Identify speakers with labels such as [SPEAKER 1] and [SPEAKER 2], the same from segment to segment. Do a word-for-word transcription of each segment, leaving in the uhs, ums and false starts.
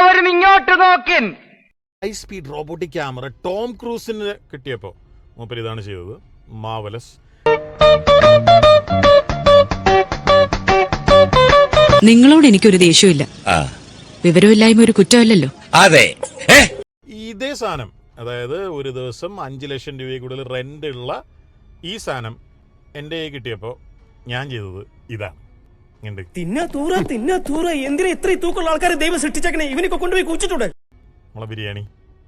[SPEAKER 1] എല്ലാവരും ഇങ്ങോട്ട് നോക്കിൻ.
[SPEAKER 2] High speed robotic camera Tom ക്രൂസിന് കിട്ടിയപ്പോൾ മൂപ്പര് ഇതാണ് ചെയ്തത്. മാവലസ്.
[SPEAKER 3] നിങ്ങളോട് എനിക്കൊരു ദേഷ്യമില്ല. വിവരമില്ലായ്മ ഒരു കുറ്റമല്ലല്ലോ.
[SPEAKER 4] അതെ.
[SPEAKER 2] ഇതേ സാധനം, അതായത് ഒരു ദിവസം അഞ്ചു ലക്ഷം രൂപയിൽ കൂടുതൽ റെന്റ് ഉള്ള ഈ സാധനം എൻ്റെ കയ്യിൽ കിട്ടിയപ്പോൾ ഞാൻ ചെയ്തത് ഇതാണ്.
[SPEAKER 5] തിന്നാ തൂറ തിന്നാ തൂറ എന്തിനാ ഇത്ര തൂക്കമുള്ള ആൾക്കാരെ ദൈവം സൃഷ്ടിച്ചേക്കണേ? ഇവനൊക്കെ കൊണ്ടുപോയി കുഴിച്ചിട്ടുണ്ട്.
[SPEAKER 2] നമ്മളെ ബിരിയാണി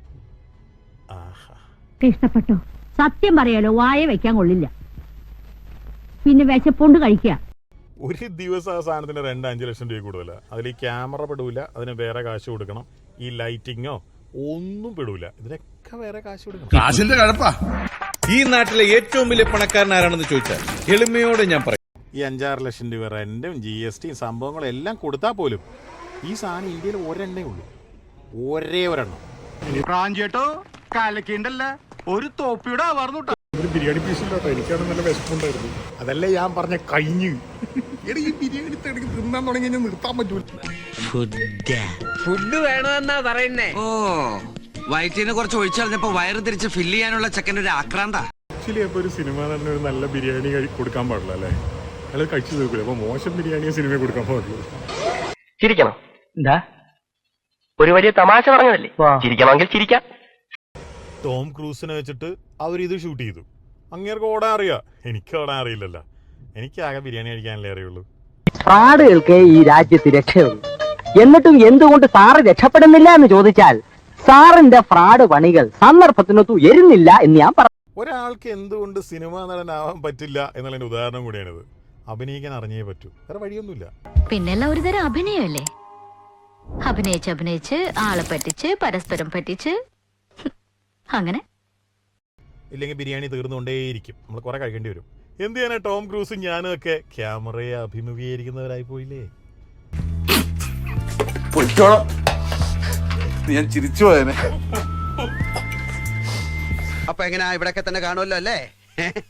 [SPEAKER 6] ഇഷ്ടപ്പെട്ടോ? സത്യം പറയാലോ, വായ വെക്കാൻ കൊള്ളില്ല. പിന്നെ വിശപ്പുണ്ട് കഴിക്കുക.
[SPEAKER 2] ഒരു ദിവസം ആ സാധനത്തിന് രണ്ട് അഞ്ചു ലക്ഷം രൂപ കൂടുതലാണ്. അതിൽ ഈ ക്യാമറ പെടൂല, അതിന് വേറെ കാശ് കൊടുക്കണം. ഈ ലൈറ്റിങ്ങോ ഒന്നും പെടൂല, ഇതിനൊക്കെ വേറെ കാശ് കൊടുക്കണം.
[SPEAKER 4] കാശിന്റെ കഴപ്പാ. ഈ നാട്ടിലെ ഏറ്റവും വലിയ പണക്കാരൻ ആരാണെന്ന് ചോദിച്ചാൽ എളിമയോടെ ഞാൻ പറയും.
[SPEAKER 2] ഈ അഞ്ചാറ് ലക്ഷം രൂപ റെന്റും ജി എസ് ടിയും സംഭവങ്ങളും എല്ലാം കൊടുത്താൽ പോലും ഈ സാധനം ഇന്ത്യയിൽ ഒരെണ്ണേ ഉള്ളൂ, ഒരേ ഒരെണ്ണം.
[SPEAKER 1] പ്രാഞ്ചേട്ടോ കാലക്കേണ്ടല്ല, ഒരു തോപ്പിയുടെ ആവാർന്നു.
[SPEAKER 7] ഒരു ബിരിയാണി പീസ് ഇല്ലാട്ടോ, എനിക്കാണ് നല്ല വിശപ്പുണ്ടായിരുന്നു. അതല്ലേ ഞാൻ പറഞ്ഞ കഴിഞ്ഞ് ഈ ബിരിയാണി തിന്നാൻ തുടങ്ങി കഴിഞ്ഞാൽ നിർത്താൻ പറ്റൂല.
[SPEAKER 1] ഫുഡ് വേണമെന്നാ പറയുന്നേ.
[SPEAKER 8] ഓ, വയറ്റിന് കുറച്ച് ഒഴിച്ചറിഞ്ഞപ്പോ വയറ് തിരിച്ച് ഫില്ല് ചെയ്യാനുള്ള ചെക്കൻ്റെ ഒരു ആക്രാന്ത.
[SPEAKER 7] ആക്ച്വലി അപ്പൊ ഒരു സിനിമ തന്നെ ഒരു നല്ല ബിരിയാണി കൊടുക്കാൻ പാടില്ല അല്ലേ? അയാൾ കഴിച്ചു തീർക്കില്ല. അപ്പൊ മോശം ബിരിയാണിയെ സിനിമ കൊടുക്കാൻ പാടുള്ളൂ.
[SPEAKER 1] ചിരിക്കണം. എന്താ ഒരു വലിയ തമാശ പറഞ്ഞതല്ലേ, ചിരിക്കണമെങ്കിൽ ചിരിക്കാം.
[SPEAKER 2] ടോം ക്രൂസിനെ വെച്ചിട്ട് അവരിത് ഷൂട്ട് ചെയ്തു. അങ്ങേർക്ക് ഓടാൻ അറിയാം, എനിക്ക് ഓടാൻ അറിയില്ലല്ലോ. എനിക്ക് ആകെ ബിരിയാണി കഴിക്കാനല്ലേ അറിയുള്ളൂ.
[SPEAKER 9] ഫ്രാഡുകൾക്ക് ഈ രാജ്യത്ത് രക്ഷയുള്ളൂ. എന്നിട്ടും എന്തുകൊണ്ട് സാറ് രക്ഷപ്പെടുന്നില്ല എന്ന് ചോദിച്ചാൽ സാറിന്റെ ഫ്രാഡ് പണികൾ സന്ദർഭത്തിനൊത്തു എരുന്നില്ല എന്ന് ഞാൻ പറഞ്ഞു.
[SPEAKER 2] ഒരാൾക്ക് എന്തുകൊണ്ട് സിനിമാ നടനാവാൻ പറ്റില്ല എന്നുള്ളതിന്റെ ഉദാഹരണം കൂടിയാണിത്. അഭിനയിക്കാൻ അറിഞ്ഞേ പറ്റൂ, വേറെ വഴിയൊന്നുമില്ല.
[SPEAKER 6] പിന്നെല്ലാം ഒരു തരം അഭിനയല്ലേ? അഭിനയിച്ച് അഭിനയിച്ച് ആളെ പറ്റിച്ച് പരസ്പരം പറ്റിച്ച് അങ്ങനെ.
[SPEAKER 2] ഇല്ലെങ്കിൽ ബിരിയാണി തീർന്നുകൊണ്ടേയിരിക്കും, നമ്മൾ കുറെ കഴിക്കേണ്ടി വരും. എന്ത് ചെയ്യാനാ, ടോം ക്രൂസും ഞാനും ഒക്കെ ക്യാമറയെ അഭിമുഖീകരിക്കുന്നവരായി പോയില്ലേ.
[SPEAKER 4] ഞാൻ ചിരിച്ചു പോയനെ.
[SPEAKER 8] അപ്പൊ എങ്ങനെയാ, ഇവിടൊക്കെ തന്നെ കാണുമല്ലോ അല്ലേ?